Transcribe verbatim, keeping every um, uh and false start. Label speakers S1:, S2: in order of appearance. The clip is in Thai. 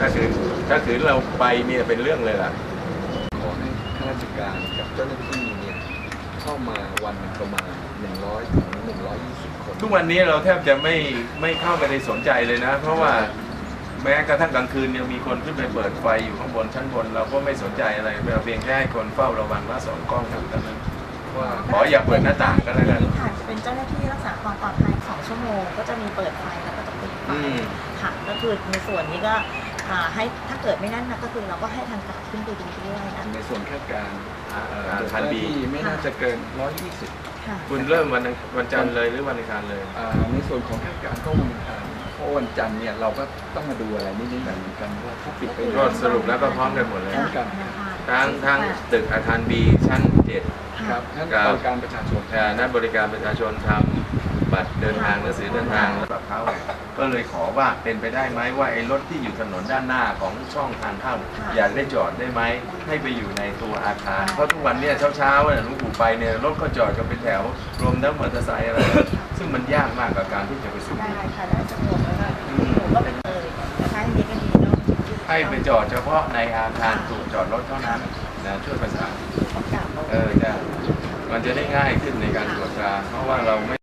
S1: ถ้าคือถ้าคือเราไปเนี่ยเป็นเรื่องเลยล่ะ
S2: ขอให้ข้าราชการกับเจ้าหน้าที่เนี่ยเข้ามาวันประมาณหนึ่งร้อยถึงหนึ่งร้อยยี่สิบคน
S1: ทุกวันนี้เราแทบจะไม่ไม่เข้าไปในสนใจเลยนะเพราะว่าแม้กระทั่งกลางคืนยังมีคนขึ้นไปเปิดไฟอยู่ข้างบนชั้นบนเราก็ไม่สนใจอะไรเราเพียงแค่ให้คนเฝ้าระวังว่าสองกล้องเท่านั้นว่าขออย่าเปิดหน้าต่างก็แล้วกัน
S3: ค่ะจะเป็นเจ้าหน้าที่รักษาความปลอดภัยสองชั่วโมงก็จะมีเปิดไฟแล้วก็จะปิดไฟค่ะก็คือในส่วนนี้ก็ให้ถ้าเกิดไม่นั่นนะก็คือเราก็ให้ทางการขึ้นไปดูด้วยนะ
S2: ในส่วนคาดการ
S1: ทันบี
S2: ไม่น่าจะเกินร้อยยี่สิบ
S1: คุณเริ่มวันวันจันทร์เลยหรือวันอังคารเลย
S2: ในส่วนของคาดการก็วันอังคารเพราะวันจันทร์เนี่ยเราก็ต้องมาดูอะไรนิดๆหน่อยเหมือนกันว่าถ้าปิดไป
S1: ก็สรุปแล้วก็พร้อมกันหมดเลยทั้งทั้งตึกอาคารบีชั้นเจ็ด
S2: ครับทั้งบริการประชาชน
S1: นักบริการประชาชนทำบัตรเดินทางหนังสือเดินทางแบบเขาก็เลยขอว่าเป็นไปได้ไหมว่าไอ้รถที่อยู่ถนนด้านหน้าของช่องทางเข้าอยากได้จอดได้ไหมให้ไปอยู่ในตัวอาคารเพราะทุกวันเนี่ยเช้าๆเนี่ยลุงปู่ไปเนี่ยรถก็จอดกันเป็นแถวรวมทั้งมอเตอร์ไซค์อะไรซึ่งมันยากมากกับการที่จะไปสูบ
S3: ได้ค่ะได้สะดวกแล้วก็ก็เป็นเลยนะคะดีก็ดีเนาะ
S1: ให้ไปจอดเฉพาะในอาคารถูกจอดรถเท่านั้นนะช่วยประสานเออจะมันจะได้ง่ายขึ้นในการตรวจตราเพราะว่าเราไม่